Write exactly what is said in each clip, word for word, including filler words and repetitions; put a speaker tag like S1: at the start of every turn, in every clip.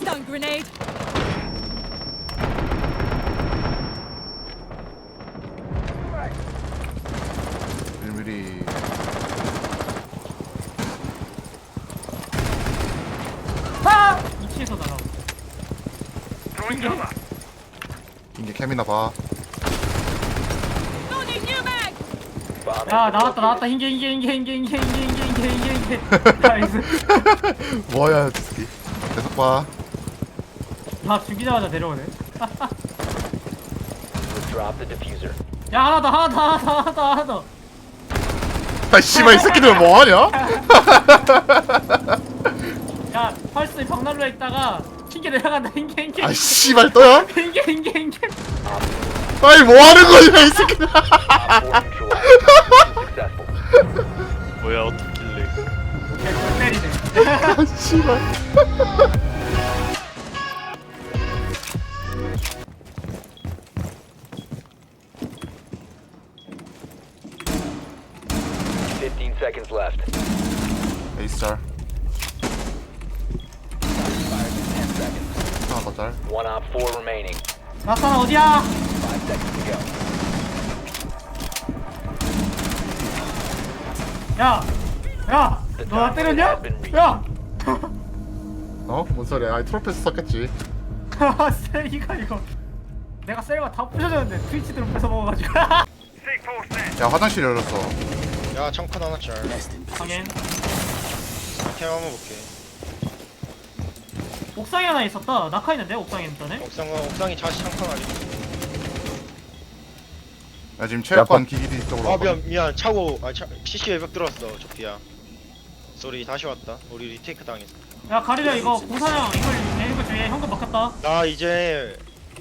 S1: Stun grenade.
S2: 일미리.
S3: 아! 이치에서 날아오고.
S2: 이게 캠이나 봐.
S1: Loading new mag.
S3: 야 나왔다 나왔다 흰게 흰게 흰게 흰게 흰게 흰게 흰게 흰게 흰게 흰게 나이스.
S2: 뭐야, 디스키. 계속 봐.
S3: 다 죽이자마자 내려오네.
S4: Drop the diffuser.
S3: 야 하나 더 하나 더 하나 더 하나 더 하나 더.
S2: 아, 씨발, 이 새끼들 뭐하냐?
S3: 야 펄스 벽난로에 있다가 흰게 내려간다 흰게 흰게.
S2: 아, 씨발, 또야?
S3: 흰게 흰게 흰게.
S2: 아니, 뭐하는 거냐, 이 새끼들.
S4: Op four neutralized. Successful.
S5: 뭐야 어떻길래
S3: 야 때리네.
S2: 아, 씨발.
S4: Fifteen seconds left.
S2: 에이스짤. 하나 더 짤.
S4: One op four remaining.
S3: 나타나 어디야?
S4: Five seconds to go.
S3: 야, 야, 너 나 때렸냐? 야,
S2: 어? 뭔 소리야? 아니, 트로피스 썼겠지.
S3: 셀이가 이거. 내가 셀과 다 부셔졌는데 트위치들은 뺏어 먹어가지고.
S2: 야, 화장실 열렸어.
S6: 야 청컨 하나 짤
S3: 당연.
S6: 캠 한번 볼게.
S3: 옥상에 하나 있었다. 낙하 있는데 옥상에 있다네.
S6: 옥상 옥상이 자시 청컨 아니.
S2: 야, 지금 체육관 기기디 쪽으로
S6: 아
S2: 왔거든.
S6: 미안 미안 차고 아 차, 씨씨 외벽 들어왔어 조피야. 쏘리 다시 왔다. 우리 리테이크 당했어.
S3: 야 가리려 이거 공사장 이걸 내는 거 주위에 현금 먹혔다.
S6: 나 이제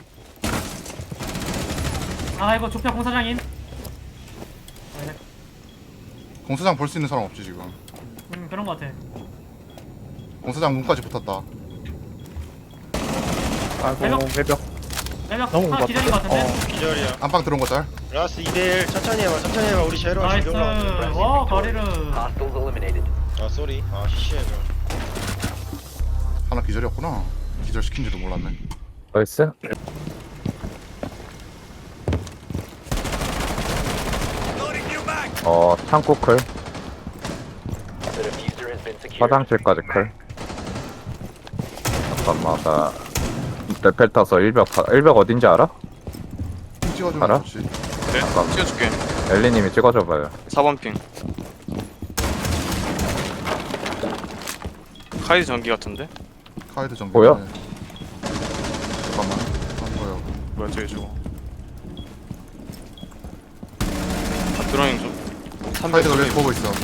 S3: 아 이거 조피아 공사장인. 네,
S2: 공사장 볼 수 있는 사람 없지, 지금.
S3: 음 그런 거 같아.
S2: 공사장 문까지 붙었다.
S7: 아이고
S3: 외벽.
S7: 외벽
S3: 내가
S7: 너무
S3: 하나
S7: 못
S3: 기다린 거 같은데.
S7: 어.
S6: 기절이야.
S2: 안방 들어온 거 짤.
S6: 라스 이 대 일 천천히 해봐 천천히 해봐. 우리 제로
S3: 나이스.
S6: 지금 올라왔는데.
S3: 와 가리르.
S4: Hostiles eliminated.
S6: 아 쏘리 아 씨씨 외벽.
S2: 하나 기절이었구나. 기절 시킨지도 몰랐네.
S7: 나이스. 어 창고 클
S4: The diffuser has been secured.
S7: 화장실까지 클. 잠깐만 나 레펠 타서 일벽 가- 일벽 어딘지 알아?
S2: 핑 찍어주면
S7: 알아?
S2: 좋지.
S5: 네?
S7: 잠깐만.
S5: 찍어줄게
S7: 엘리님이 찍어줘봐요.
S5: 사 번 핑 카이드 전기 같은데?
S2: 카이드 전기.
S7: 보여?
S2: 잠깐만. 안 보여.
S5: 뭐야 저기 저거 아 드로잉 좀
S2: 카이드가 왜 보고 있어?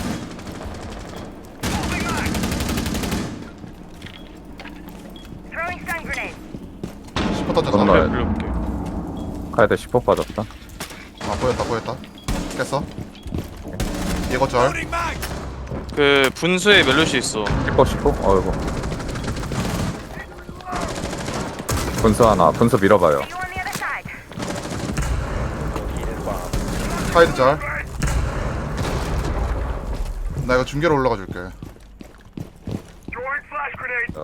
S1: Throwing stun grenade.
S2: 시퍼 던졌다.
S7: 건너야.
S5: 불러볼게
S7: 카이드 십 호 빠졌다.
S2: 아, 보였다, 보였다. 깼어. 얘거 짤.
S5: 그 분수에 멜로시 있어
S7: 십 호 십 호? 어이구. 분수 하나. 분수 밀어봐요.
S1: You on the other side.
S4: Located a bomb.
S2: 카이드 짤. 나 이거 중계로 올라가 줄게.
S7: 어.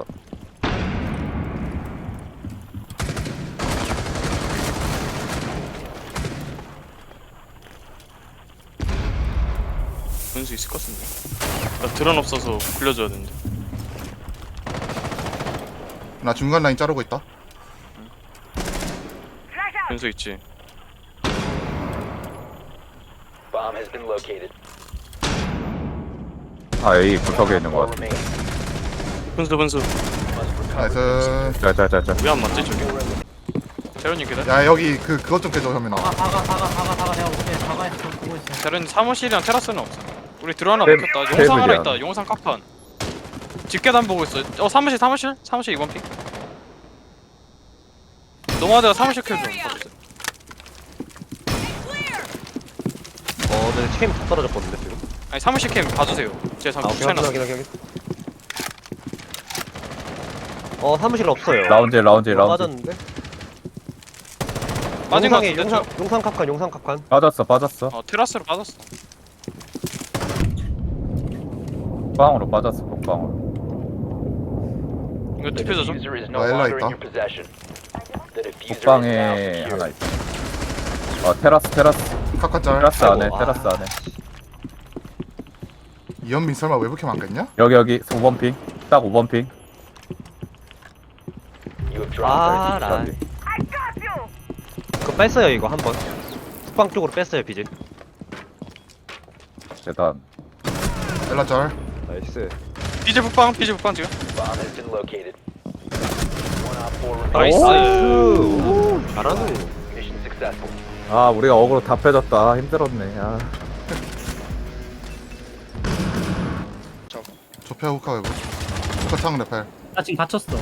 S5: 분수 있을 것 같은데 나 드론 없어서 굴려줘야 되는데
S2: 나 중간 라인 자르고 있다.
S1: Flash out.
S5: 분수 있지
S4: Bomb has been located.
S7: 아 A 구석에 있는 것
S4: Four
S7: 같아.
S4: remaining.
S5: 분수 분수
S4: Must recover.
S2: 나이스.
S7: 짜자자자.
S5: 왜 안 맞지 저게 재련님 기다려
S2: 야, 여기 그 그것 좀 깨줘, 현민아.
S3: 다가 다가 다가 다가 다가 내가 오케이 다가에서 좀 보고 있어.
S5: 재련님 사무실이랑 테라스는 없어 우리 드론 하나
S7: 테-
S5: 먹혔다 용상 하나
S7: 테이블이야.
S5: 있다 용상 깍판 집계단 보고 있어 어 사무실 사무실 사무실 이 번 핑 노마드가 사무실 킬좀 봐주세요
S8: 어, 네, 캠 다 떨어졌거든요, 지금.
S5: 아니 사무실 캠 봐주세요 제가
S8: 아,
S5: 잠깐
S8: 오케이, 확인,
S5: 추천해놨어
S8: 확인, 확인, 확인. 어, 사무실 없어요.
S7: 라운지 라운지
S8: 어,
S7: 라운지.
S8: 빠졌는데?
S5: 빠진 거
S8: 용상에
S5: 같은데
S8: 용상,
S5: 저-
S8: 용상 캅칸, 용상 캅칸.
S7: 빠졌어 빠졌어.
S5: 어 테라스로 빠졌어
S7: 빵으로 빠졌어. 복방으로.
S5: 이거
S4: The
S5: 디퓨저 좀.
S4: diffuser is no
S2: 아, 엘라
S4: longer
S2: 있다.
S4: in your possession. The diffuser is now
S7: 북방에
S4: secured.
S7: 하나 있어. 어 테라스 테라스
S2: 카카짤.
S7: 테라스 안에
S2: 아이고,
S7: 테라스 안에.
S2: 이현민 설마 외부캠 안 깼냐?
S7: 여기 여기 오 번 핑. 딱 오 번 핑.
S4: You have
S8: 아,
S4: dropped
S8: 라.
S1: I got you.
S8: 그거 뺐어요, 이거 한 번. 북방 쪽으로 뺐어요, 비질.
S7: 재단.
S2: 엘라짤.
S8: 나이스.
S5: 비질 북방 비질 북방 지금.
S4: bomb has been located. One op four
S5: 나이스.
S4: remaining.
S8: 오, 잘하네.
S4: Mission successful.
S7: 아 우리가 어그로 다 빼졌다. 힘들었네. 아.
S2: 조폐 후카 외부. 후카 창 레펠.
S3: 나 지금 갇혔어.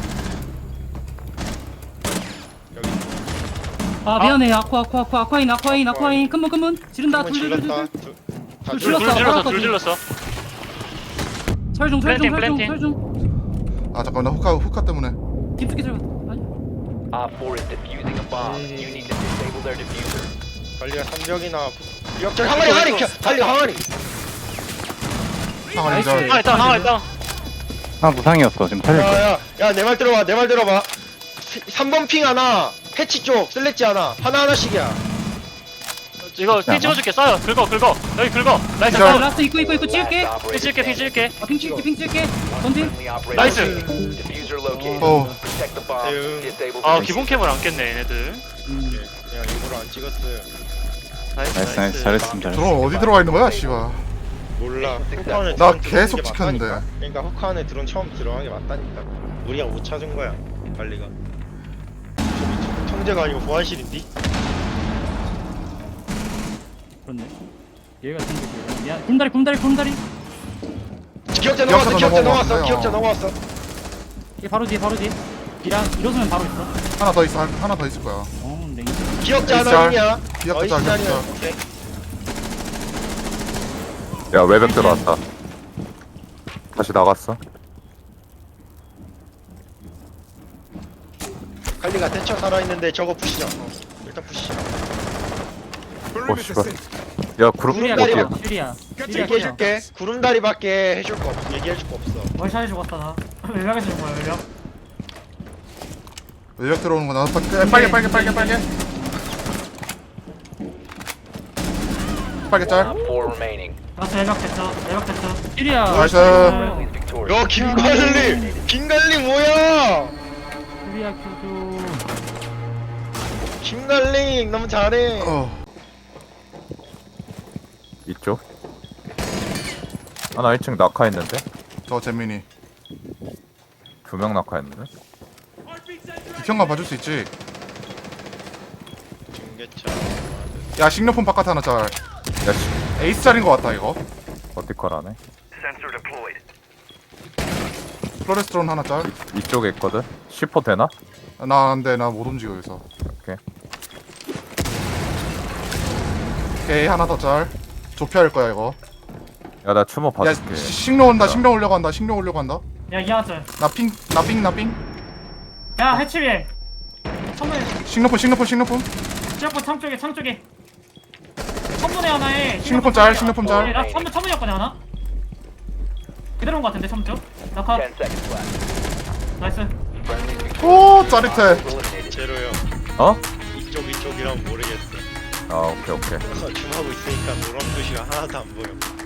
S6: 여기
S3: 아 미안해. 아쿠아 아쿠아 아쿠아 아쿠아인 아쿠아인 아쿠아인. 큰문 큰문. 지른다.
S6: 한번 질렀다. 둘- 다
S3: 둘
S6: 질렀다.
S5: 둘
S3: 질렀어.
S5: 질렀어
S3: 알았거든.
S5: 둘 질렀어.
S3: 설중 설중
S5: 플랜팅,
S3: 설중
S5: 플랜팅.
S3: 설중.
S2: 아 잠깐 나 후카 후카 때문에.
S3: 깊숙이 들어가. 아니.
S4: Op four is defusing a bomb. You need to disable their diffuser.
S6: 관리가 삼벽이나 기억자 항아리 항아리 켜- 관리 항아리.
S2: 창 알리짤.
S5: 하나 있다 하나 있다.
S9: 아 무상이었어 지금 살릴 거야.
S6: 야야 야 내 말 들어봐 내 말 들어봐. 삼 번 핑 하나 해치 쪽 슬래지 하나 하나 하나씩이야.
S5: 이거 핑 찍어줄게 쏴요. 긁어 긁어 여기 긁어. 나이스.
S2: 기절.
S3: 라스트 입고 입고 입고 찍을게.
S4: Last
S5: 핑
S4: operator
S5: 찍을게 핑
S4: standing.
S5: 찍을게.
S3: 아, 핑 찍을게 핑 찍을게. 던진.
S4: Friendly operator
S5: 나이스.
S4: standing. Diffuser located.
S2: 어.
S4: Protect the bomb.
S6: 대응.
S4: Disable
S5: 아
S4: the
S5: 기본 캠을 안 깼네 얘네들.
S6: 그냥 일부러 안 찍었어요.
S5: 나이스
S9: 나이스 나이스 잘했습니다. 잘했어.
S2: 드론 어디 들어가 있는 거야, 씨발.
S6: 몰라. 후카 안에
S2: 나
S6: 드론
S2: 계속
S6: 들어오는 게
S2: 찍혔는데.
S6: 맞다니까. 그러니까 후카 안에 드론 처음 들어간 게 맞다니까. 우리가 못 찾은 거야 관리가. 저기 청재가 아니고 보안실인디?
S3: 그렇네. 얘가 생겼어. 야 곰다리 곰다리 곰다리.
S6: 기억자
S2: 기억자
S6: 넘어왔어 기억자 넘어왔어
S2: 넘어왔어요.
S6: 기억자 넘어왔어.
S3: 얘 바로 뒤에 바로 뒤에. 이랑 이러면 바로 있어.
S2: 하나 더 있어. 하나 더 있을 거야.
S3: 어 랭.
S6: 기억자
S2: 있어.
S6: 하나 있냐?
S2: 기억자 짤,
S6: 있냐냐.
S2: 기억자.
S6: 오케이.
S7: 야 외벽 들어왔다. 다시 나갔어.
S6: 관리가 대처 살아있는데 저거 푸시자. 어, 일단 푸시자.
S7: 오 씨발. 야 그룹
S3: 슈리야
S6: 구름다리
S7: 어디야?
S6: 봐.
S3: 슈리야. 슈리야
S6: 얘기해줄게. 구름다리밖에 해줄 거 없어. 얘기해줄 거 없어.
S3: 월샷해 죽었다 나. 외곽에서 죽은 거야 외곽.
S2: 외벽 들어오는 거 나도 빨개 빨개 빨개 빨개 빨개. 빨개 짤.
S4: Op four remaining.
S3: 라스트 외곽 됐어. 외곽 됐어. 슈리야.
S2: 나이스.
S4: Friendly is victorious.
S6: 야 김관리. 김관리 뭐야?
S3: 슈리야 큐
S6: 김관리 너무 잘해.
S2: 어.
S7: 이쪽. 하나 일 층 낙하했는데.
S2: 저 재민이.
S7: 두 명 낙하했는데.
S2: 비평만 봐줄 수 있지.
S6: 중계차.
S2: 야 식료품 바깥 하나 짤.
S7: 야 씨.
S2: 에이스 짤인 거 같다 이거.
S7: 버티컬하네.
S2: 플로레스트론 하나 짤.
S7: 이쪽에 있거든. 십 호 되나?
S2: 나 안돼 나 못 움직여 여기서.
S7: 오케이.
S2: 오케이 하나 더 짤. 좁혀야 할 거야 이거.
S7: 야 나 추모
S2: 야
S7: 봐줄게.
S2: 시- 식료 온다. 식료 오려고 한다. 식료 오려고 한다.
S3: 야 이하절.
S2: 나핑나핑나핑
S3: 야 해치위에. 천문에
S2: 식료품 식료품 식료품.
S3: 지역권 창 쪽에 창 쪽에. 천문에 하나에.
S2: 식료품 짤 식료품 짤.
S3: 나 천문 천문이었거든 하나. 그대로인 거 같은데 천문 쪽. 나카.
S4: Ten seconds left.
S3: 나이스.
S4: Friendly is victorious.
S2: 오 짜릿해.
S4: Eliminated.
S6: 제로요.
S7: 어?
S6: 이쪽 이쪽이랑 모르겠어.
S7: 아 오케이 오케이.
S6: 줌하고 있으니까 노란 표시가 하나도 안 보여.